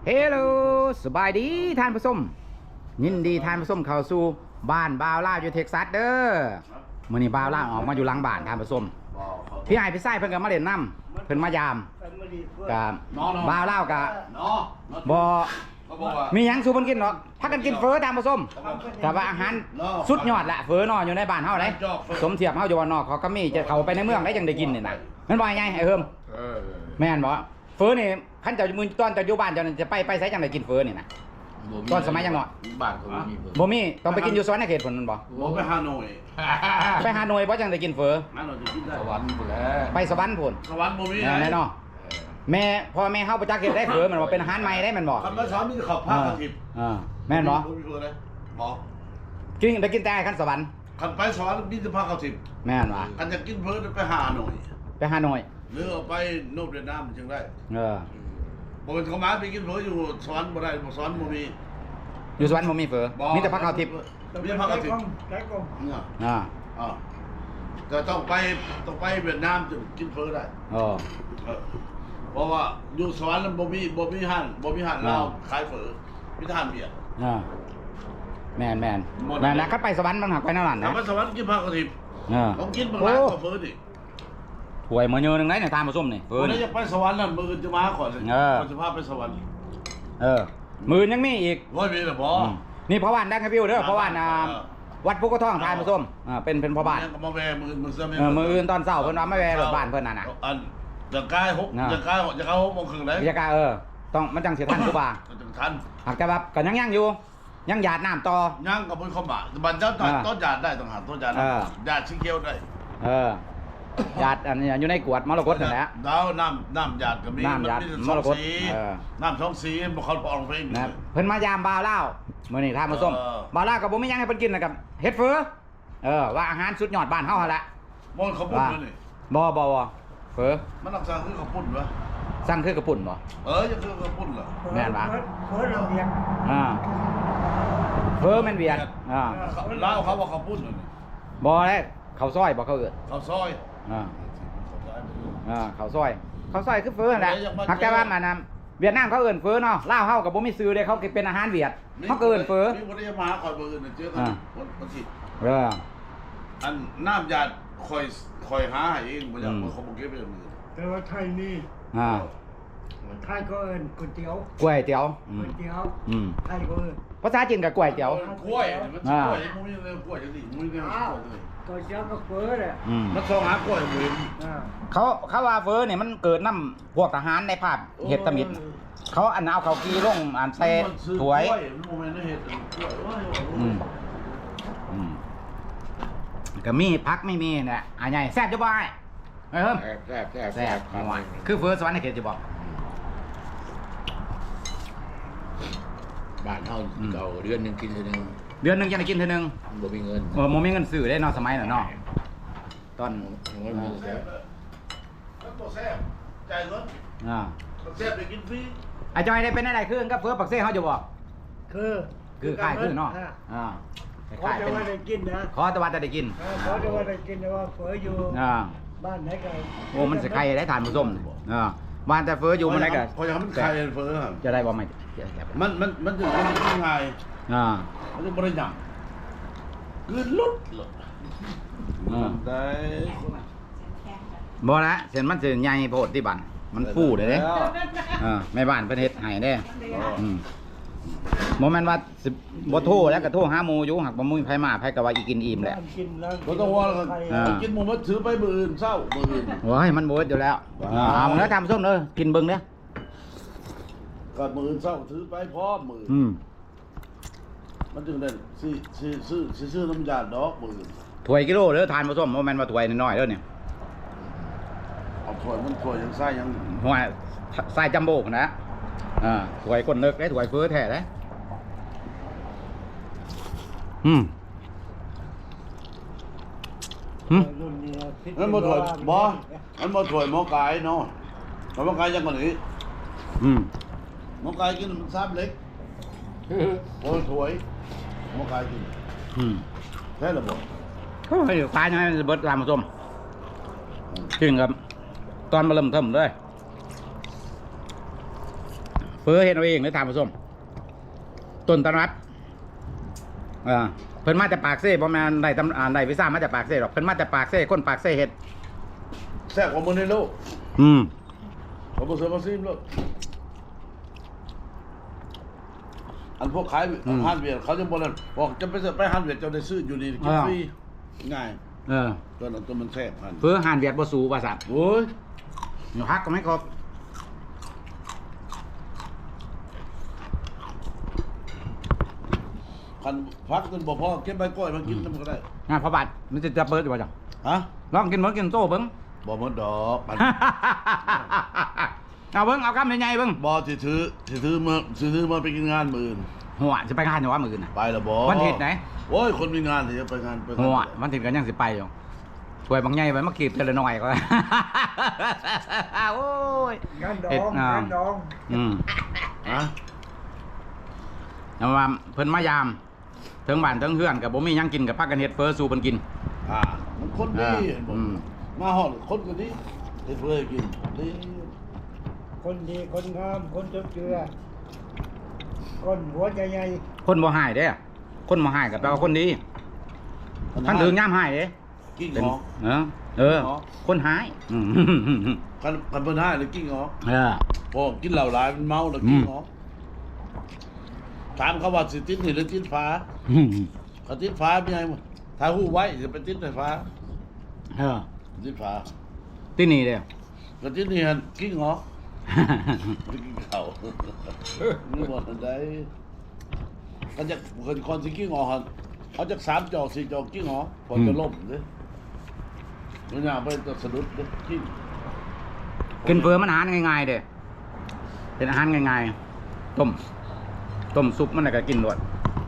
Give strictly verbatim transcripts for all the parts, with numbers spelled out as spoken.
เฮลโลสบายดีท่านผู้ชมยินดีท่านผู้ชมเข้าสู่บ้านบ่าวล่าอยู่เท็กซัสเด้อมื้อนี้บ่าวล่าออกมาอยู่หลังบ้านท่านผู้ชมพี่ไอ้พี่ไส้เพิ่นก็มาเล่นน้ำเพิ่นมายามกับบ่าวล่ากับบ่มีหยังสู่เพิ่นกินเนาะพักกันกินเฟอท่านผู้ชมแต่ว่าอาหารสุดยอดละเฟอเนาะอยู่ในบ้านเฮาเด้สมเทียบเฮาอยู่บ้านนอกเขาก็มีจะเข้าไปในเมืองได้จังได้กินนี่น่ะมันว่าไงไอ้เฮิมแม่นบ่เฟอนี่คันเจ้ามือตอนเจ้าอยู่บ้านเจ้าจะไปไปไสจังได๋กินเฟอนี่นะตอนสมัยยังน้อยบ้านเขาบ่มีเฟอบ่มีต้องไปกินอยู่สวรรค์เขตพุ่นมันบ่บ่ไปฮานอยไปฮานอยบ่จังได๋กินเฟอฮานอยจะกินได้สวรรค์พุ่นแหละไปสวรรค์พุ่นสวรรค์บ่มีแน่เนาะแม่พ่อแม่เฮาบ่จักเฮ็ดได้เฟอมันบ่เป็นอาหารใหม่ได้มันบ่คันมาสอนมีข้าวผัดกะทิเออแม่นบ่บ่มีเฟอเลยบ่กินได้กินแต่คันสวรรค์คันไปสวรรค์มีแต่ผักกะทิแม่นบ่คันจะกินเฟอไปฮานอยไปฮานอยหรือเอาไปโนบเวียดนามจังได้เออบ่เป็นเขามาไปกินเฟออยู่สวรรค์บ่ได้บ่สวรรค์บ่มีอยู่สวรรค์บ่มีเฟอมีแต่ผักกะทิมีผักกะทิเนี่ยอ่าอ่าจะต้องไปต้องไปเวียดนามถึงกินเฟอได้อ๋อเพราะว่าอยู่สวรรค์บ่มีบ่มีห้านบ่มีห้านลาวขายเฟอมีแต่ห้านเบียร์อ่าแม่นแม่นแม่นนะคันไปสวรรค์มันหักไปนั่นนั่นนะถ้าไปสวรรค์กินผักกะทิเออต้องกินบางร้านก็เฟอดิถ้วยมื้อนึงนึงไหนเนี่ยทานผสมนี่เฟอนี่นี่จะไปสวรรค์นั่นมื้อจะมาก่อนเลยคนจะพาไปสวรรค์เออมื้อยังมีอีกบ่มีล่ะบ่นี่พ่อบ้านดังครับพี่เด้อพ่อบ้านอ่าวัดภูกระท่องทานผสมอ่าเป็นเป็นพ่อบ้านก็มาแวมื้อมื้อเออมื้ออื่นตอนเช้าเพิ่นว่ามาแวรถบ้านเพิ่นน่ะน่ะอันจะกายหกจะกายจะเข้าหกโมงครึ่งได้จะกายเออต้องมันจังสิทันกูบ่าจังทันหากแต่ว่าก็ยังยังอยู่ยังหยาดน้ำต่อยังก็บ่เข้ามาบัดเจ้าต้นหยาดได้ต้องหาต้นหยาดหยาดสีเขียวได้เออหยาดอันนี้อยู่ในกวดมรกตนั่นแหละดาวน้ำน้ำหยาดก็มีน้ำหยาดมรกตเออน้ำสองสีบ่เขาออกเพลงนะเพิ่นมายามบ่าวลาวมื้อนี้ทานผสมบ่าวลาวก็บ่มีหยังให้เพิ่นกินนะครับเฮ็ดเฟอเออว่าอาหารสุดยอดบ้านเฮาหั่นแหละบ่เขาปุ้นนี่บ่บ่บ่เฟอมันรักษาคือเขาปุ้นวะสั่งคือกระปุ่นบ่เออยังคือเขาปุ้นเหรอแม่นบ่เฟอเราเวียดอ่าเฟอแม่นเวียดอ่าลาวเขาว่าเขาปุ้นนี่บ่ได้ข้าวซอยบ่เขาเอิ้นเขาซอยอ่าอ่าข้าวซอยข้าวซอยคือเฟอนั่นแหละหักแต่ว่ามันน่ะเวียดนามเขาเอิ้นเฟอเนาะลาวเฮาก็บ่มีชื่อเด้เขาเป็นอาหารเวียดเขาก็เอิ้นเฟอมีบ่ได้มาคอยบ่อื่นเจอกันบ่สิเอออันน้ำหยาดคอยคอยหาให้เองบ่อยากเขาบ่เก็บไว้มือแต่ว่าไทยนี่อ่าไทยก็เอิ้นก๋วยเตี๋ยวก๋วยเตี๋ยวก๋วยเตี๋ยวอืมไทยก็เอิ้นภาษาจีนก็ก๋วยเตี๋ยวกล้วยมันกล้วยมันมีเรื่องกล้วยจังซี่มีเรื่องกล้วยเลยก๋วยเตี๋ยวก็เฟอแหละมันส่งหากล้วยบ่เห็นเขาเขาว่าเฟอเนี่ยมันเกิดน้ำพวกทหารในภาพเฮ็ดตะมิดเขาอันเอาเขากีลงอันใส่ถ้วยอืมอืมก็มีพักไม่มีเนี่ยอ่ะใหญ่แซ่บจะบ่ไอ้เฮ้ยเฮิมแซ่บแซ่บแซ่บคือเฟอสวรรค์ในเขตจะบอกบ้านเฮาเก่าเดือนนึงกินเทื่อนึงเดือนนึงจะได้กินเทื่อนึงบ่มีเงินเออบ่มีเงินซื้อได้เนาะสมัยนั้นเนาะตอนมันบ่แซ่บมันบ่แซ่บจ่ายเงินอ่าแซ่บได้กินฟรีไอ้จอยได้เป็นอะไรคือกับเฟอปักเซ่เฮาอยู่บ่คือคือคล้ายคือเนาะอ่าขอจะว่าได้กินนะขอแต่ว่าจะได้กินขอจะว่าได้กินแต่ว่าเฟออยู่อ่าบ้านไหนก็โอ้มันสิไข่ได้ทานผสมอ่าบ้านแต่เฟออยู่มันได้ก็พอจะมันไข่เฟอจะได้บ่ไม่มันมันมันจะมันง่ายอ่ามันจะบ่ได้หยังคือลุดอ่าได้บ่ละเส้นมันสิใหญ่โพดที่บ้านมันฟูเด้เด้เออแม่บ้านเพิ่นเฮ็ดให้เด้อืมบ่แม่นว่าสิบ่โทรแล้วก็โทรหาหมู่อยู่หักบ่มีไผมาไผก็ว่าอีกินอิ่มแหละบ่ต้องว่าแล้วกินหมูมาถือไปมื้ออื่นเช้ามื้ออื่นโอ้ยมันบ่อยู่แล้วเอาเด้อทำส้มเด้อกินเบิ่งเด้อก็มื้ออื่นเช้าถือไปพร้อมมื้ออืมมันจึงได้สิสิซื้อสิซื้อน้ำยาดอกมื้อถ้วยกิโลเด้อทานผสมบ่แม่นว่าถ้วยน้อยๆเด้อเนี่ยเอาถ้วยมันถ้วยยังไส้ยังหัวไส้จัมโบ้นะอ่าถ้วยก้นเลิกได้ถ้วยเฟ้อแท้เด้อืมหืมมันบ่ถ้วยบ่มันบ่ถ้วยหม้อกายเนาะหม้อกายยังกว่านี้อืมหม้อกายกินมันซ้ำเล็กโอ้ยถ้วยหม้อกายกินอืมแท้ละบ่ก็ให้คลายให้เบิดตามผสมกินครับตอนมาเริ่มเทิมเลยเฟอเฮ็ดเอาเองเลยท่านผู้ชมต้นตำรับอ่าเพิ่นมาจากปากเซ่บ่แม่นได้ตำอ่าได้วีซ่ามาจากปากเซ่หรอกเพิ่นมาจากปากเซ่คนปากเซ่เฮ็ดแซ่บกว่ามื้อในโลกอืมผมบ่ซื้อมาซิมโลกอันพวกขายอาหารเวียดเขาจะบ่นั่นบอกจะไปซื้อไปอาหารเวียดเจ้าได้ซื้ออยู่นี่กินฟรีง่ายเออตัวนั้นตัวมันแซ่บหั่นเฟอหานเวียดบ่สูว่าซั่นโอ้ยอยู่ฮักก็ไม่ครบคันพักจนบ่พอเก็บใบกล้วยมากินนำก็ได้งานพระบาทมันจะจะเปิดอยู่บ่จังฮะลองกินเบิ่งกินโต้เบิ่งบ่หมดดอกอันเอาเบิ่งเอาคำใหญ่ๆเบิ่งบ่สิถือสิถือมาสิถือมาไปกินงานมื้ออื่นหัวจะไปงานอยู่ว่ามื้ออื่นน่ะไปแล้วบ่วันอาทิตย์ไหนโอ้ยคนมีงานสิจะไปงานไปงานหัววันอาทิตย์ก็ยังสิไปอยู่ช่วยบางใหญ่ไว้มากีบเทอละหน่อยก็ โอ้ยงานดอเฮ็ดงอ่างานดองอืมฮะเอาว่าเพิ่นมายามถึงบ้านถึงเฮือนก็บ่มีหยังกินก็พักกันเฮ็ดเฟอสู่เพิ่นกินอ่ามันคนดีอ่าเห็นบ่อืมมาฮอดคนก็ดีเฮ็ดเพื่อให้กินดีคนดีคนงามคนจบเจือคนหัวใจใหญ่คนบ่หายเด้อคนบ่หายก็แปลว่าคนดีท่านถึงยามหายเด้กิ้งเป็นหอเออ เออหรอคนหายอืมคันคันเพิ่นให้เลยกิ้งหอเออพอกินเหล้าหลายมันเมาแล้วกิ้งหอถามเขาว่าสิติดนี่หรือติดฟ้าเขาติดฟ้าเป็นไงมั้งถ้าฮู้ไว้จะไปติดไฟฟ้าเออติดฟ้าที่นี่เด้อก็ติดนี่หั่นกิ้งหอไปกินข้าวนี่บ่ทันได้เขาจะคนคนสิกิ้งหอหั่นเอาจากสามจอกสี่จอกกิ้งหอพอจะล่มเด้มันย่างไปจะสะดุดเด้กิ้งกินเฟอมันอาหารง่ายๆเด้อเป็นอาหารง่ายๆต้มต้มซุปมันน่ะก็กินด้วย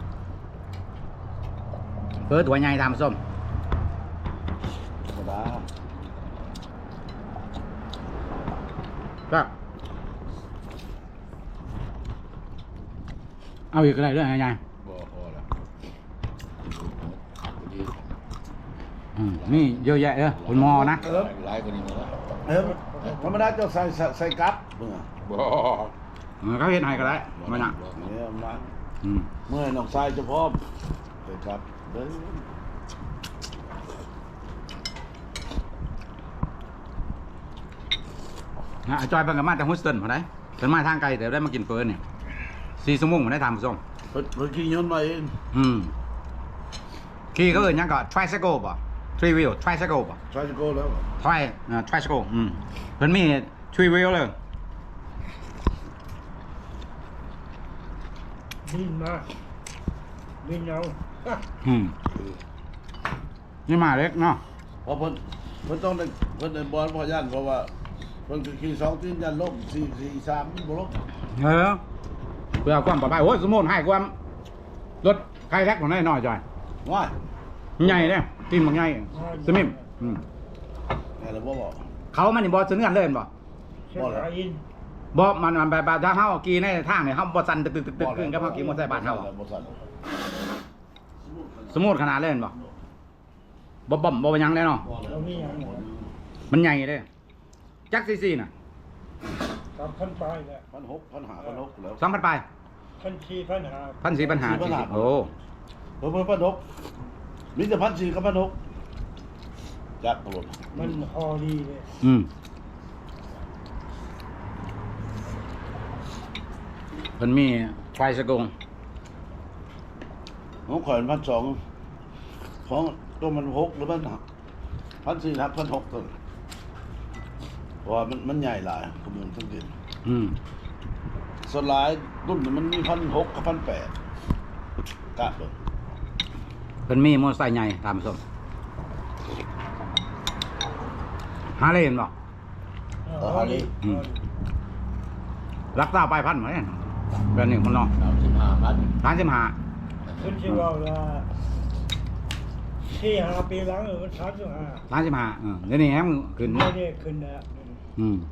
เฟอตัวใหญ่ทำส้มธรรมดาก็เอาอีกอะไรด้วยไงบ่พอแล้วพอดีอืมนี่เยอะแยะเออคุณหมอนะเออหลายกว่านี้มาแล้วเออธรรมดาเจ้าใส่ใส่ใส่กั๊บเมื่อบ่เออเขาเห็นให้ก็ได้ไม่น่ะเนี่ยมาอืมเมื่อน้องชายจะพร้อมใส่กั๊บเด้อนะจอยเพิ่งกลับมาจากฮุสตันพอได้เป็นมาทางไกลแต่ได้มากินเฟิร์นเนี่ยสี่ชั่วโมงผมได้ทำส้มเพิ่นเพิ่นขี่ยนต์มาเองอืมขี่ก็เอินหยังก็ tricycle ป่ะ three wheel tricycle ป่ะชายจะโก้แล้ว tri อ่า tricycle อืมเพิ่นมี three wheel เลยบินมาบินเอาอืมนี่มาเล็กเนาะเพราะเพิ่นเพิ่นต้องได้เพิ่นได้บอลพอย่านเพราะว่าเพิ่นขี่สองตีนยันล้มสี่สี่สามบ่ล้มเออเพื่อความปลอดภัยโอ้ยสมมุติให้ความรถใครแท็กของได้น้อยจอยว้ายใหญ่เนี่ยกินบางใหญ่สมิมอืมแม่นแล้วบ่บอกเขามันนี่บอซื้อกันเลยเห็นบ่เส้นสายอินบอมันมันแบบแบบถ้าเฮาขี่ในทางเนี่ยเฮาบ่สั่นตึกตึกตึกตึกขึ้นกับเฮาขี่มอเตอร์ไซค์บ้านเฮาอะบ่สั่นสมมุติขนาดเลยเห็นบ่บ่บ่มบ่หยังเลยเนาะเรามีอย่างมันใหญ่เด้จักซีซีน่ะกับพันปลายแหละพันหกพันหาพันหกแล้วสองพันปลายพันสี่พันห้าพันสี่พันห้าสี่พันห้าโอ้เพิ่นเพิ่นพันหกมีแต่พันสี่กับพันหกจักรถมันพอดีเลยอืมเพิ่นมีไฟสะกงของข่อยพันสองของตัวมันหกหรือพันพันสี่ทับพันหกตัวเพราะว่ามันมันใหญ่หลายขบวนทั้งดินอืมส่วนหลายรุ่นนี่มันมีพันหกกับพันแปดกะเบิ่งเพิ่นมีมอเตอร์ไซค์ใหญ่ตามส้มหาเลยเห็นบ่ อืม รักษาปลายพันธุ์ไหมแบบนี้คนเนาะสามสิบห้าพันร้านสิบห้าคุณชื่อว่าว่าที่ห้าปีหลังเออมันสามสิบห้าร้านสิบห้าเออเดี๋ยวนี้แฮมขึ้นไม่ได้ขึ้นนะอืม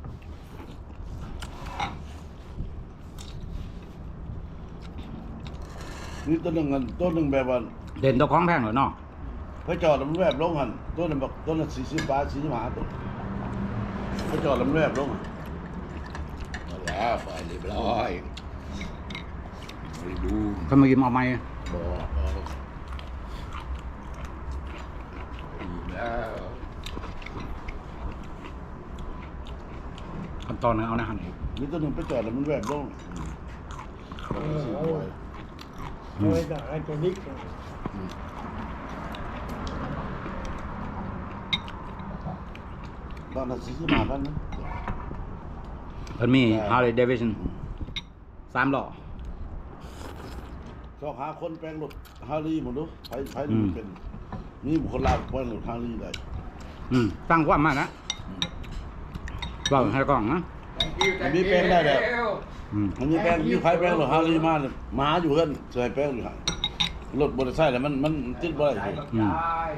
นี่ตัวหนึ่งอันตัวหนึ่งแบบว่าเด่นตัวของแพงเหรอเนาะพระจอดแล้วมันแวบลงหันตัวหนึ่งบอกตัวหนึ่งสี่สิบบาทสี่สิบห้าตัวพระจอดแล้วมันแวบลงหั่นหแล้วไปเรียบร้อยไปดูเขามากินเอาไหมบอกเอาดีแล้วขั้นตอนนึงเอานะฮันนี่ตัวหนึ่งไปจอดแล้วมันแหวกลงเออเอาเอาไว้ด่าไอ้ตัวนี้บ้านนั้นซื้อมาบ้านนั้นเพิ่นมีฮาร์เลย์เดวิสันสามล้อชอบหาคนแปลงรถฮาร์ลีหมดดูใช้ใช้อืมเป็นนี่บุคคลลาวแปลงรถฮาร์ลีได้อืมตั้งความมานะเราให้กล้องนะอันนี้แปลงได้แล้วอืมอันนี้แปลงมีใครแปลงรถฮาร์ลีมาเนี่ยมาอยู่เพื่อนใส่แปลงอยู่ห่างรถบริษัทแล้วมันมันติดบ่ได้อืม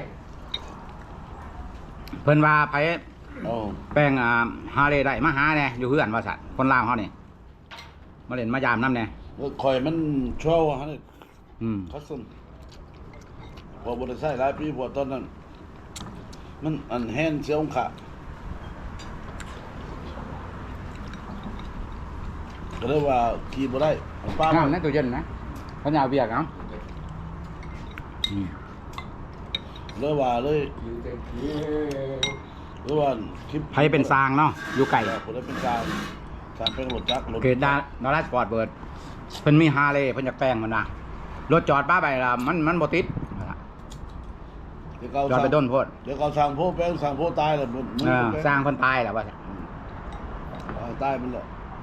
เพิ่นว่าไปอ๋อแป้งอ่าฮาร์เลย์ได้มาหาแน่อยู่เฮือนว่าสัตว์คนลาวเฮานี่มาเล่นมายามน้ำแน่แล้วคอยมันช่วยฮะนี่อืมคัสซัมพอบริษัทหลายปีพอตอนนั้น มันอันแฮนเสียองขาก็เลยว่าขี่บ่ได้เอาป้าน้ำมาในตู้เย็นนะเขาอยากเบียกเอาอืมเลยว่าเลยอยู่เต็มที่เลยว่าคลิปไผเป็นซางเนาะอยู่ไก่ผมได้เป็นการการเป็นรถจักรรถเกดดาดาราสปอร์ตเบิร์ดเพิ่นมีฮาร์เลย์เพิ่นอยากแปลงมันนะรถจอดป้าไปละมันมันบ่ติดเดี๋ยวเขาจอดไปด้นโพดเดี๋ยวเขาสั่งโพแป้งสั่งโพตายแล้วมันมันเออแป้สร้างเพิ่นตายแล้วว่าซั่นอ่าตายมันแล้ว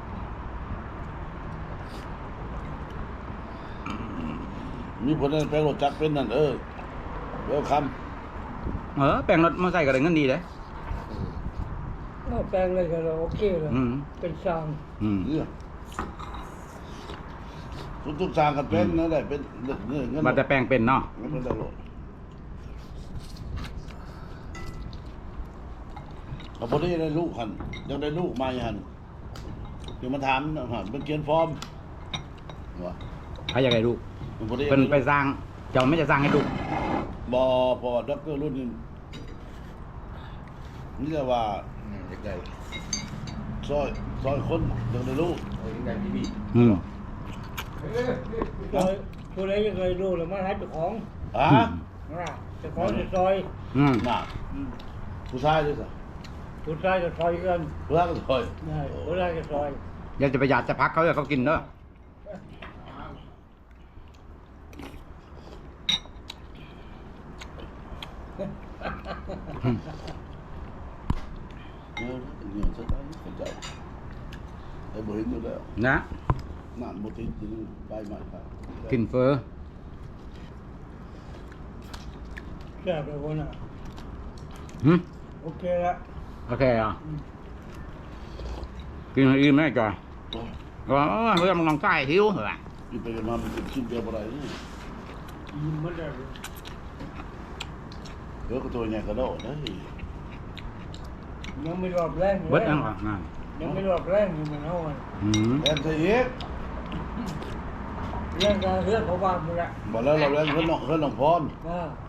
มีผลนั่นแป้งรถจักรเป็นนั่นเออเวลคัมเออแปลงรถมอเตอร์ไซค์ก็ได้เงินดีเด้เอาแปลงเลยก็เราโอเคเลยอืมเป็นช่างอืมเนี่ยทุกๆสร้างกันเป็นนั่นแหละเป็นเงินเงินว่าแต่แปลงเป็นเนาะเงินเป็นได้โลดเขาพอดีได้ลูกหันยังได้ลูกมาหันเดี๋ยวมาถามหันเป็นเกียนฟอร์มวะใครอยากได้ลูกมันพอดีเพิ่นไปสร้างเจ้าไม่จะสร้างให้ลูกบอพอด็อกเตอร์รุ่นนี้นี่จะว่านี่จะได้ซอยซอยคนยังได้ลูกเอายังได้ที่นี่อืมซอยผู้ใดยังเคยรู้เลยมาให้เจ้าของอ่ะนะเจ้าของจะซอยอืมน่ะผู้ชายด้วยสิผู้ชายจะซอยกันผู้ชายก็ซอยได้ผู้ชายจะซอยอยากจะประหยัดจะพักเขาเลยเขากินเด้อเออเงี้ยสักได้เข้าใจไอ้บ่เห็นอยู่แล้วนะนั่นบ่ติดอยู่นี่ไปใหม่ครับกินเฟอแซ่บเลยคนน่ะหึโอเคละโอเคอ่ะกินให้อิ่มได้จ่อยโอ้ยก็เฮ้ยมันลองใต้หิวเหรอกินไปกันมามันกินเดียวบ่ได้นี่ยิ้มมันได้เดี๋ยวก็ตัวใหญ่กระโดดเด้ยยังไม่รอบแรงเบิดยังก่อนนะยังไม่รอบแรงอยู่มันเอาอ่ะอืมแอนใส่อีกเรื่องการเรื่องเขาบ้านมึงละบ่แล้วเราแล้วเพิ่นน้องเพิ่นน้องพรนะ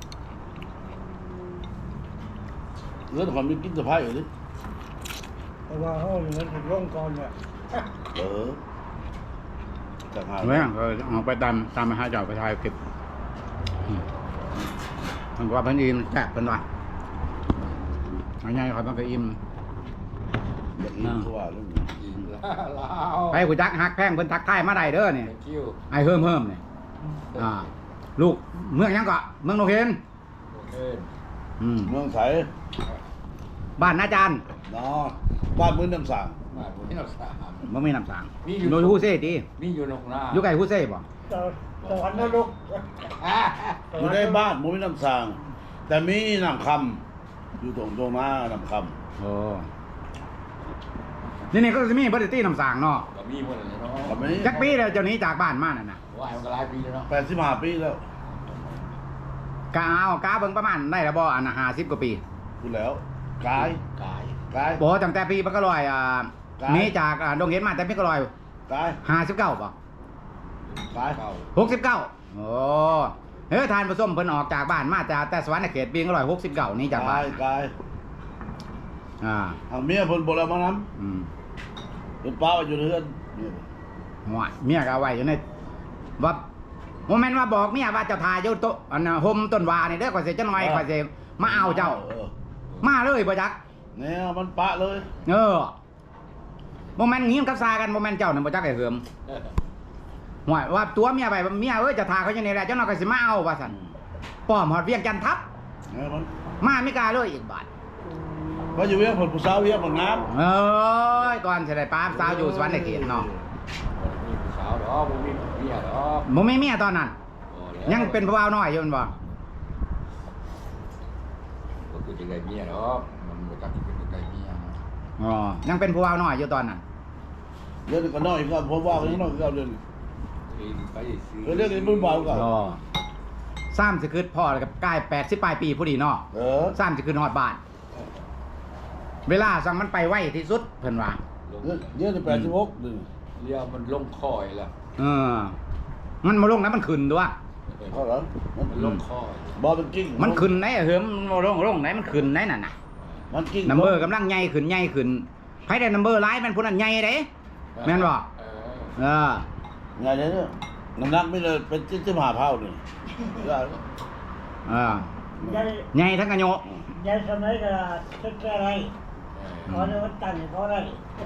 เรื่องความมีกินสะพายอยู่ดิแต่ว่าเขาเหมือนถูกลงก่อนเนี่ยเออจังหาไม่เออเอาไปตามตามมาหาเจ้าไปถ่ายคลิปอืมมันว่าเพิ่นอิ่มแซ่บเพิ่นว่าเอาไงเขาต้องไปอิ่มอยากกินคือว่าเรื่องนี้กินลาลาวไปกูจักฮักแพงเพิ่นทักทายมาได้เด้อเนี่ย thank you ไอ้เฮิ่มเฮิ่มเนี่ยอ่า ลูกเมืองหยังเกาะเมืองโนเคนโอเคอืมเมืองไสบ้านนาจารย์เนาะบ้านมื้อน้ำสางมาบนที่เราสามมันมีน้ำสางมีอยู่โนฮูเซ่ตีมีอยู่นกนาอยู่ไกลฮูเซ่บ่ตอนตอนนรกอยู่ในบ้านบ่มีน้ำสาง แต่มีน้ำคำอยู่ตรงตรงหน้าน้ำคโอ้นี่นี่ก็จะมีบัตตี้น้ำสางเนาะก็มีหมดเลยเนาะำก็มีจักปีแล้วเจ้าหนี้จากบ้านมาน่ะนะว่ามันก็หลายปีแล้วเนาะแปดสิบห้าปีแล้วกาเอากาเบิ่งประมาณได้ละบ่อันน่ะห้าสิบกว่าปีพูดแล้วกายกายกายบ่ตั้งแต่ปีปะกะลอยอ่าครับหนี้จากอ่าดงเห็นมาแต่ปีกะลอยกายห้าสิบเก้าป่ะกายเก่าหกสิบเก้าโอ้เฮ้ยทานผสมเพิ่นออกจากบ้านมาจากแต่สวรรค์เขตปีกะลอยหกสิบเก้านี่จากบ้ากาน ยกายอ่าทางเมียเพิ่นบ่แล้วมานํอืมเป็นป้าอยู่ในเรือนเนี่ยหัวเมียก็เอาไว้อยู่ในว่าโมเมนต์ว่าบอกเมียว่าเจ้าทายอยู่โตะอันน่ะห่มต้นวานี่เด้อข่อยสิจะน้อยข่อยสิมาเอาเจ้าออมาเลยบ่จักเนี่ยมันปะเลยเออโมเมนต์งี้มันกับซากันโมเมนต์เจ้านั่นบ่จักไอ้เหิมหัวว่าตัวเมียไปเมียเอ้ยเจะทาเขาอยู่นี่แหละเจ้าน้อยข่อยสิมาเอาว่าซั่นป้อมฮอดเวียงจันทน์ทับเนี่ยมันมาไม่กล้าเลยอีกบาทเพราะอยู่เวียงผลผู้สาวเวียงผลงามเอ้ยก่อนสิได้ป้าสาวอยู่สวรรค์เขตเนาะมีผู้สาวดอกบ่มีเมียดอกบ่มีเมียตอนนั้น ยังเป็นผู้บ่าวน้อยอยู่แม่นบ่ก็คือจะได้เมียดอกมันบ่จักเป็นจะได้เมียอ๋อยังเป็นผู้บ่าวน้อยอยู่ตอนนั้นเรื่องนี้ก็น้อยก็ผมว่าก็ยังน้อยก็เรื่องนี้ที่ไปซื้อเรื่องนี้มึงเบาก็อ๋อซ้ำสิคือพ่อกับกายแปดสิบปลายปีผู้ดีเนาะเออซ้ำสิคือฮอดบ้าน เวลาสั่งมันไปไวที่สุดเพิ่นว่าลงเรื่องเรื่องนี้แปดสิบหกนี่เรียวมันลงคอยแล้วเออ มันมาลงนะมันขึ้นตัวเขาเหรอมันมันลงคอยบอมันกิ้งมันขึ้นไหนอะเหิมมันบ่ลงลงไหนมันขึ้นไหนนั่นน่ะมันกิ้งนัมเบอร์กำลังใหญ่ขึ้นใหญ่ขึ้นไผได้นัมเบอร์หลายมันผู้นั้นใหญ่เด้แม่นบ่เออเออไงเนี่ยน้ำหนักไม่เลยเป็นจิ้มจิ้มหาเผานี่ได้เออยายใหญ่ทั้งกระโยยายสมัยก็ชุดอะไรขอเดินตั้งเขาได้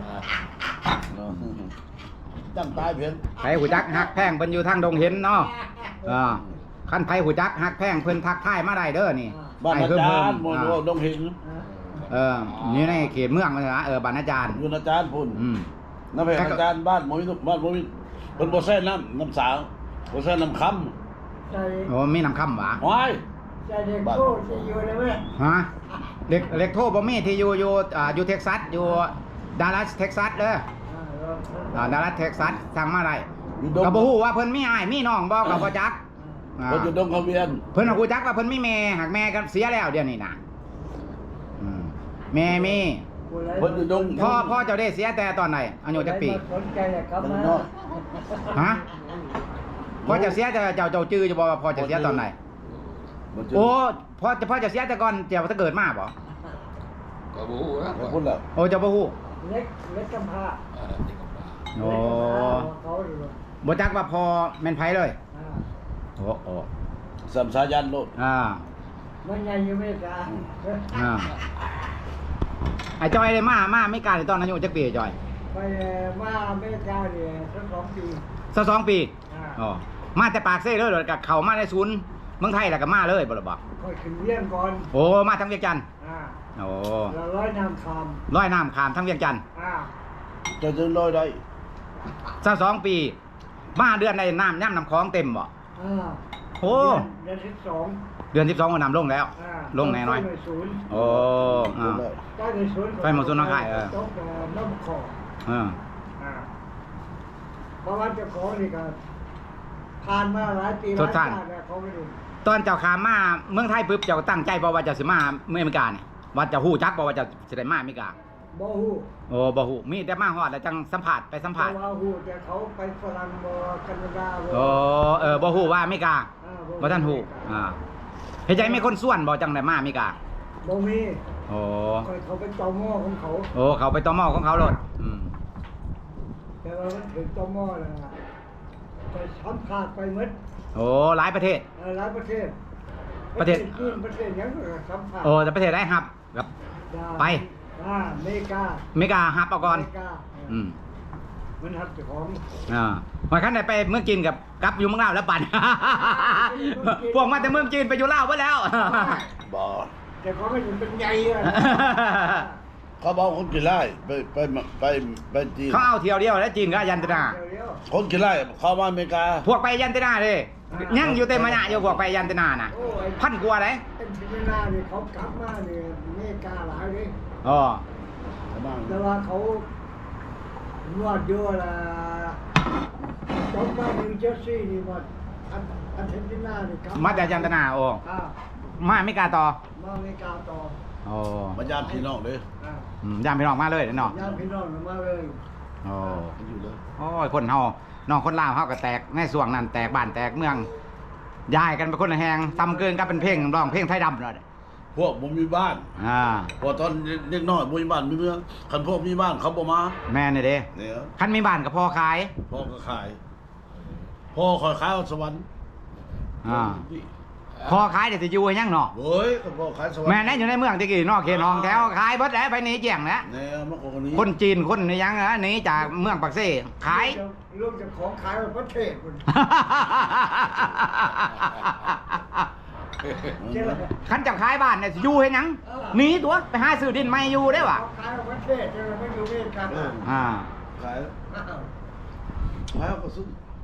ตั้งตายเพียงไผหูจักฮักแพงเพิ่นอยู่ทางดงเห็นเนาะเออคันไผหูจักฮักแพงเพิ่นทักทายมาได้เด้อนี่บ้านอาเพิ่มจาเพิ่รมย์มวยอ่าดงเห็นเออนี่ในเขตเมืองมันนะเออบ้านอาจารย์อยู่อาจารย์พุ่นอืมน้ำเพชรอาจารย์บ้านมวยบ้านมวยเป็นโบเซ่น้ำน้ำสาวโบเซ่น้ำคใจโอ้มีน้ำค่ำหวะำวายใจเด็กโตจะอยู่เลยไหมฮะเด็กเล็กโทบ่มีที่อยู่อยู่อ่าอยู่เท็กซัสอยู่ดัลลัสเท็กซัสเด้ออ่าดัลลัสเท็กซัสทางมาได้อยู่ดงก็บ่ฮู้ว่าเพิ่นมีอ้ายมีน้องบ่ก็บ่จักอ่าเพิ่นอยู่ดงเขาเวียนเพิ่นก็ฮู้จักว่าเพิ่นมีแม่หากแม่ก็เสียแล้วเดี๋ยวนี้น่ะอืมแม่มีเพิ่นอยู่ดงพ่อพ่อเจ้าได้เสียแต่ตอนไหนอายุจักปีสนใจอะครับมันนะน้อยฮะพ่อจะเสียแต่เจ้าเจ้าจื้อจะบอกว่าพ่อจะเสียตอนไหนมันจะโอ้พ่อจะพ่อจะเสียแต่ก่อนเจ้าถ้าเกิดมาบ่ก็บ่ฮู้นะขอบคุณแล้วโอ้เจ้าบ่ฮู้เล็กเล็กกำพร้าเออจริงกับป้าโอ้เขาอยู่บ่จักว่าพ่อแม่นไผเลยอ่าโอ้โอ้สัมสายันโลดอ่ามันยังอยู่ไม่กล้าอ่าไอ้จอยเลยมามาไม่กล้าเลยตอนอายุจักปีจอยไปมาอเมริกาเนี่ยสักสองปีสักสองปีอ่าอ๋อมาแต่ปากเซ่เลยเดี๋ยวกับเข้ามาในศูนย์เมืองไทยแล้วก็มาเลยบ่ล่ะบ่ค่อยขึ้นเยี่ยมก่อนโอ้มาทางเวียงจันทน์อ่าโอ้เราร้อยน้ำคร้อยน้ำข้ามทางเวียงจันทน์ำอ่าจะจะลอยได้สักสองปี มาเดือนในน้ำย่ำน้ำคลองเต็มบ่อ่าโอ้เดือนที่สองเดือนสิบสองก็น้ำลงแล้วอ่าลงแน่น้อยต้นศูนย์โอ้อ่าใต้ในศูนย์ไฟหมดศูนย์น้องไข่เออตกน้ำคอเอออ่าเพราะว่าเจ้าของนี่ก็ผ่านมาหลายปีหทลาดยสร้างชาติแล้วเขาไม่รู้ตอนเจ้าขามมาเมืองไทยปุ๊บเจ้าตั้งใจบ่ว่าจะสิมาเมืองอเมริกาเนี่ยว่าจะฮู้จักบ่ว่าจะสิได้มาอเมริกาบ่ฮู้โอ้บ่ฮู้มีแต่มาฮอดแล้วจังสัมภาษณ์ไปสัมภาษณ์แต่ว่าฮู้แต่เขาไปฝรั่งบ่แคนาดาบ่โอ้เออบ่ฮู้ว่าอเมริกาอ่าบ่ทันฮู้อ่าเฮ็ดจังมีคนส่วนบ่จังได้มาอเมริกาบ่มีโอ้คอยเขาไปจอหม้อของเขาโอ้เขาไปต่อหม้อของเขาโลดอืมแต่ว่ามันถึงจอหม้อแล้วอะไปสัมภาษณ์ไปหมดโอ้หลายประเทศเออหลายประเทศประเทศจีนประเทศหยังก็สัมภาษณ์โอ้แต่ประเทศได้ครับกับ ไปอ่าอเมริกาอเมริกาฮับเอาก่อนอเมริกาอืมมันหับเจ้าของอ่าวันคันได้ไปเมืองจีนกับกลับอยู่เมืองลาวแล้วปั่น พวกมาแต่เมืองจีนไปอยู่ลาวไว้แล้วบ่แต่เขาไม่ถึงเป็นใหญ่อะเขาบอกคนกี่ไร่ไปไปไปไปจีนเขาเอาเที่ยวเดียวแล้วจีนก็ยันตนาเดี๋ยวคนกี่ไร่เข้ามาอเมริกาพวกไปยันตนาเลยยังอยู่เต็มมะยะอยู่พวกไปยันตนาน่ะโอ้ยพันกว่าเลยเป็นพิจารณาเนี่ยเขากลับมาเนี่ยอเมริกาหลายเลยอ๋อแต่ว่าเขานวดเยอะละจบมานิวเจอร์ซีย์นี่หมดอันอันเทนตินานี่ครับมาจากยันตนาโอ้อ่ามาไม่กล้าต่อมาอเมริกาต่อโอ้มายามพี่น้องเลยอ่าอืมยามพี่น้องมาเลยเนาะญาติพี่น้องมาเลยโอ้อยู่เลยโอ้ยคนเฮาน้องคนลาวเฮาก็แตกในส่วงนั้นแตกบ้านแตกเมืองย้ายกันไปคนละแหงตำเกินก็เป็นเพลงร้องเพลงไทยดำเลยพวกบ่มีบ้านอ่าพอตอนเด็กน้อยบ่มีบ้านมีเมืองคันพวกมีบ้านเขาบ่มาแม่นี่เด้เนี่ยคันมีบ้านก็พอขายพ่อก็ขายพ่อคอยขายเอาสวรรค์อ่าพอขายเดี๋ยวสิอยู่ให้ยังเนาะเฮ้ยก็พ่อขายสวรรค์แม่นั่นอยู่ในเมืองตะกี้นอกเขตห้องแถวขายเบิดแล้วไปหนีเจียงแล้วเนี่ยเมื่อก่อนนี้คนจีนคนนี่ยังนะหนีจากเมืองปักเซ่ขายลูกจะของขายไปประเทศคุณเจ้าคันจะขายบ้านเนี่ยสิอยู่ให้ยังหนีตัวไปหาซื้อดินไม่อยู่ได้วะของขายไปประเทศเจ้าไม่อยู่เวียดกันอ่าขายขายเอาก็ซื้อ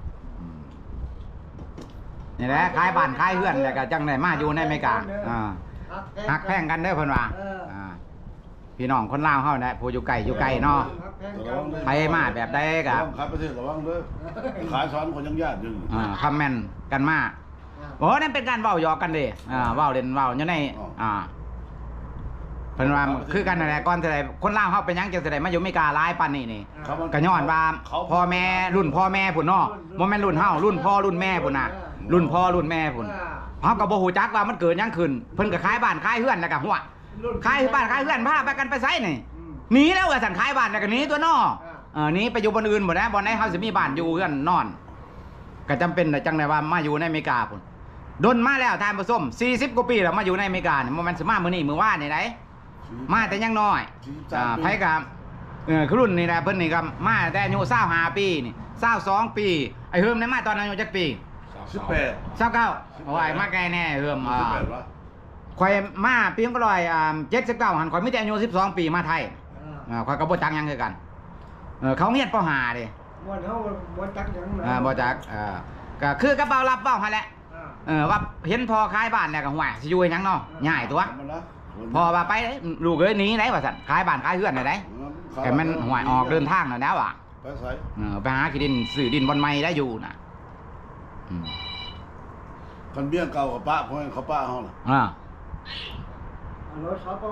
นี่แหละขายบ้านขายเฮือนแล้วก็จังได้มาอยู่ในอเมริกาอ่าหักแพงกันเด้อเพิ่นว่าอ่าพี่น้องคนลาวเฮาเนี่ยผู้อยู่ไกลอยู่ไกลเนาะไปมาแบบใดก็ระวังขายประเทศระวังเด้อขายสอนคนยังญาติอยู่อ่าคอมเมนต์กันมาโอ้นั่นเป็นการเว้าหยอกกันเด้อ่าเว้าเล่นเว้าอยู่ในอ่าเพิ่นว่าคือกันนั่นแหละก่อนสิได้คนลาวเฮาเป็นหยังจังสิได้มาอยู่อเมริกาหลายปานนี้นี่ก็ย้อนว่าพ่อแม่รุ่นพ่อแม่พุ่นเนาะบ่แม่นรุ่นเฮารุ่นพ่อรุ่นแม่พุ่นน่ะรุ่นพ่อรุ่นแม่พุ่นเฮาก็บ่ฮู้จักว่ามันเกิดหยังขึ้นเพิ่นก็ขายบ้านขายเฮือนแล้วก็หัวขายบ้านขายเฮือนพาไปกันไปไสนี่หนีแล้วว่าซั่นขายบ้านแล้วก็หนีตัวเนาะเออหนีไปอยู่บ่อนอื่นบ่ได้บ่ไหนเฮาสิมีบ้านอยู่เฮือนนอนก็จำเป็นจังได๋ว่ามาอยู่ในอเมริกาพุ่นดนมาแล้วท่านผู้ชมสี่สิบกว่าปีแล้วมาอยู่ในอเมริกานี่บ่แม่นสิมามื้อนี้มื้อวานนี่ไดมาแต่ยังน้อยอ่าไผก็เออคือรุ่นนี่แหละเพิ่นนี่ก็มาแต่อายุยี่สิบห้าปีนี่ยี่สิบสองปีไอ้เฮิมได้มาตอนอายุจักปีสิบแปดยี่สิบเก้าโอ้ยมาไกลแน่เฮิมอ่าสิบแปดวะข่อยมาปีก็ร้อยอ่าเจ็ดสิบเก้าหันข่อยมีแต่อายุสิบสองปีมาไทยอ่าข่อยก็บ่จักหยังคือกันเออเขาเฮียนปห้าเด้วันเขาวันจักยังอ่าบ่จักอ่าก็คือกระเป๋ารับเป้าหั่นแหละเออว่าเห็นพอขายบ้านแล้วก็ห่วยสิอยู่ให้หยังเนาะง่ายตัวมันนะพอว่าไปเด้ลูกเอ้ยหนีไหนว่าซั่นขายบ้านขายเฮือนได้ไดแต่มันห่วยออกเดินทางแล้วแล้วอ่ะไปใส่เออไปหาขี้ดินซื้อดินบอนไม้ได้อยู่น่ะอืมคนเบี้ยเก่ากับป้าเพราะเขาป้าเขาน่ะอ่ารถเขาก็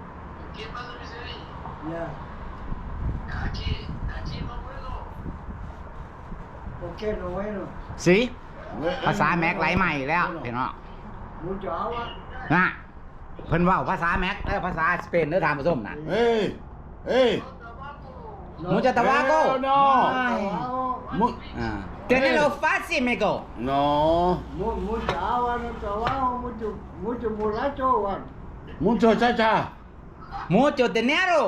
เนี่ยโอเคน้อยเนาะสิภาษาแม็กไหลใหม่แล้วเห็นเนาะมูจ๋าวะนะเพิ่นเว้าภาษาแม็กแล้วภาษาสเปนเด้อทานผู้ชมน่ะเฮ้ยเฮ้ยมูจะตะวาโกโน่มุอ่าเตเนโลฟาซิเมโกโน่มูมูจ๋าวะนั่นแต่ว่ามูจุมูจุมูลาโจวันมุโชจ้าจ้ามูโจเตเนโร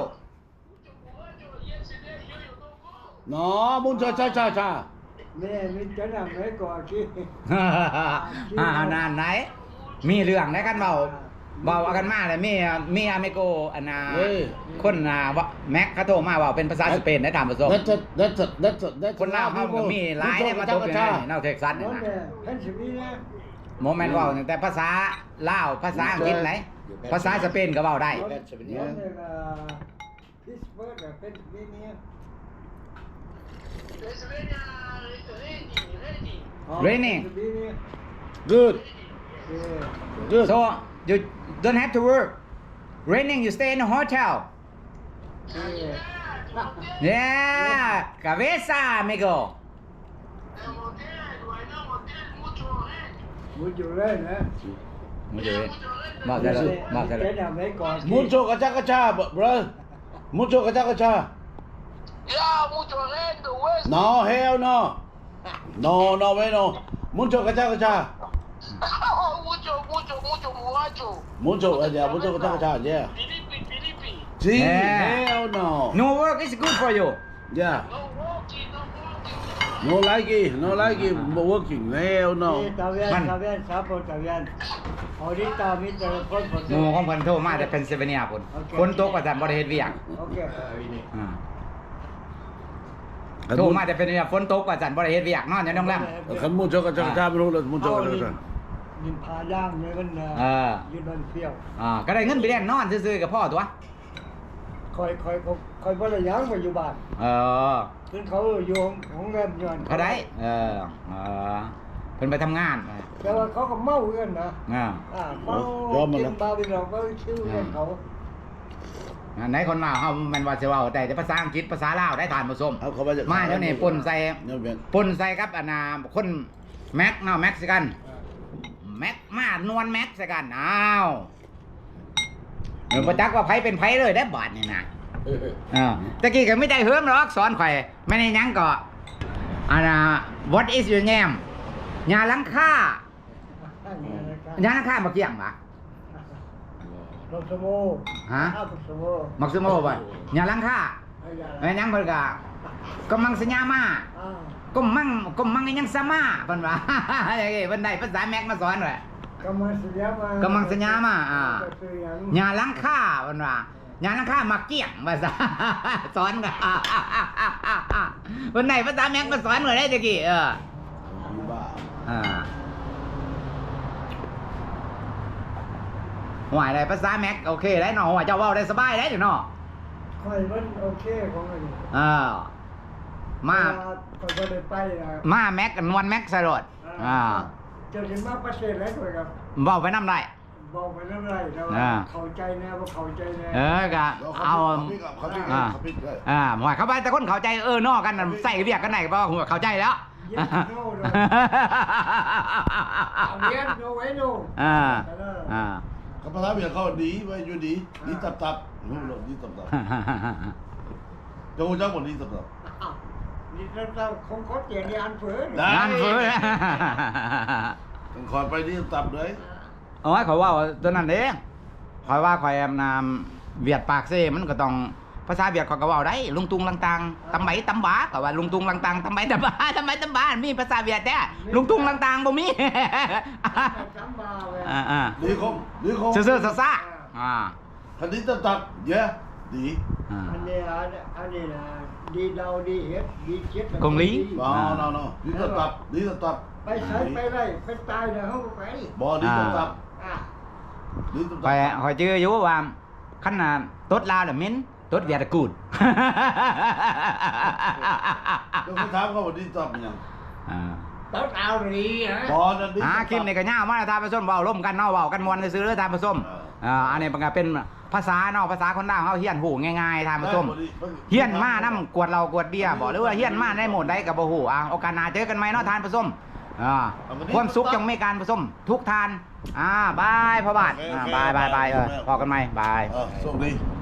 โน่มุโชจ้าจ้าจ้าแม่มีจะนั่งไหนก่อนกี้อ่านานไหน มีเรื่องได้กันเว้าเว้าเอากันมาเลยมีมีอเมโกอันน่ะคนน่ะว่าแม็กเขาโทรมาเว้าเป็นภาษาสเปนได้ตามผู้ชม That's it that's it that's it that's it คนลาวเฮาก็มีหลายได้มาตกอยู่ในนอกเท็กซัสนี่นั่นนะแหละเพนซิลเวเนียโมเมนต์เว้าตั้งแต่ภาษาลาวภาษาอังกฤษไหนภาษาสเปนก็เว้าได้นั่นแหละพิสเบิร์กเพนซิลเวเนีย Raining good Yeah. good so you don't have to work raining you stay in a hotel Yeah. yeah cabeza amigo Mucho lên hả? มุจเลยบอกได้เลยบอกได้เลย Cái nào mấy con kia? mucho gacha gacha bro mucho gacha gacha Yeah, mucho lento, West. no hell no no no way no mucho gacha gacha mucho, mucho, mucho, mucho. mucho yeah mucho gacha gacha yeah Filipi, Filipi. see Yeah. hell no no work is good for you yeah No walking, no walking. no like it no like it working hell no Đi, Tàu viên, tàu viên, sáu bộ tàu viên. Ahorita mi telepon หมู่ของเพิ่นโทรมาแต่เป็นเซเวเนียพุ่นคนตกว่าซั่นบ่ได้เฮ็ดเวียก Ok. อ่าโทรมาแต่เป็นเวียกฝนตกว่าซั่นบ่ได้เฮ็ดเวียกนอนอยู่โรงแรมคัน mucho gacha gacha ไม่รู้เลย mucho gacha gacha Nhìn phá giang này vẫn Ờ. ยืนบนเฟี้ยวอ่าก็ได้เงินไปเล่นนอนซื่อๆกับพ่อตัวคอยคอยคอยคอยบ่ได้ยังไปอยู่บ้านเออเพิ่นเขาอยู่ของแรมย้อนเขาได้เออเออเพิ่นไปทำงานแต่ว่าเขาก็เมากันนะอ่าอ่าเมากินบาร์บีเราก็ชื่อกันเขาไหนคนมาเฮาแม่นว่าสิเว้าแต่แต่ภาษาอังกฤษภาษาลาวได้ทานผู้ชมเอาเข้าไปจากมาเดี๋ยวนี้ปนใส่เนี่ยเป็นปนใส่กับอันน่ะคนแม็กเนาะแม็กซิกันแม็กมานวลแม็กซิกันอ้าวเออบ่จักว่าไผเป็นไผเลยได้บาดนี่นะเออตะกี้ก็ไม่ได้เฮิมหรอกสอนข่อยไม่ได้หยังก็อันน่ะ what is your name ยาลังค่ายาลังค่ามาเกี่ยงปะรถสโมฮะข้าวรถสโมมักซุโม่บ่ยาลังค่าไอ้ยาแม่นยังเพิ่นก็ก็มังสัญญามาอ้าวก็มั่งก็มั่งอีหยังซะมาเพิ่นว่า อย่างงี้เพิ่นได้ภาษาแม็กมาสอนด้วยกำมังสัญญามาำกมังสัญญามาอ่าก็คือหยังญาลังค่าเพิ่นว่าญาลังค่ามาเกี่ยงภาษา สอนก็เพิ่นได้ภาษาแม็กมาสอนด้วยได้ตะกี้เออมีบ้าอ่าหวายได้ภาษาแม็กโอเคได้เนาะว่าเจ้าเว้าได้สบายได้เนาะค่อยมันโอเคของมันนี่เออมาค่อยบ่ได้ไปนะมาแม็กกันวันแม็กสลดอ่าเจะสิมาประเทศอะไรด้วยครับเว้าไปนำได้บอกไปเรื่องอะไรแต่ว่าอ่าเข้าใจแน่บ่เข้าใจแน่เออก็แล้วเอาเขาพิกเขาพิกอ่าเขาพิกเลยอ่าหมายเข้าไปแต่คนเข้าใจเออนอกกันน่ะใส่เรียกกันไหนก็หัวเข้าใจแล้วเย็นโน่เลยเอาเย็นโน่ไว้โน่อ่าอ่าเขาภาษาเมียเขาดีไว้อยู่ดีดีตับตับรู้หรอดีตับตับจะรู้จักหมดดีตับตับอ้าวนี่เราคงเขาเตียนยานเฟือได้งานเฟ้อต้องคอยไปดีตับเลยเอาไว้ขอยว่าตัวนั้นเด้ขอยว่าขอยแอมนามเวียดปากเซ่มันก็ต้องภาษาเวียดเขาก็เว้าได้ลุงตุงลังตังตำไบตำบาก็ว่าลุงตุงลังตังตำไบตำบาตำไบตำบามีภาษาเวียดแท้ลุงตุงลังตังบ่มีจำบาเว้ยอ่าอ่าดีคงดีคงซื่อๆซ่าๆอ่าคันดีตับตับเยอะดีอ่าอันนี้อันอันนี้นะดีเราดีเฮ็ดดีเจ็ดกงลีอ๋อ no no ดีตับตับดีตับตับไปใช้ไปไรไปตายเดี๋ยวเขาก็ไปบอดีตับตับอ่ะดีตับข่ตัอยบข่อยชื่ออยู่ว่าคันน่ะตดลาวน่ะเหม็นตดเวียดกูดต้องไปถามเขาว่าดีตับยังอ่าต้นเอาดีฮะบอนั่นดีอ่าคลิปนี้ก็ยาวมาแล้วทานผสมเว้าร่วมกันเนาะเว้ากันม่วนซื่อๆเด้อทานผสมอ่าอันนี้มันก็เป็นภาษาเนาะภาษาคนลาวเฮาเฮียนหูง่ายๆทานผสมเฮียนมานํกวดเรากวดเบียร์บ่หรือว่าเฮียนมาในโหมดใดก็บ่ฮู้อ่าโอกาสหน้าเจอกันใหม่เนาะทานผสมอ่าความสุขจงมีการผสมทุกทานอ่าบายพ่อบาทอ่าบายบายบายเออพอกันใหม่บายเออโชคดี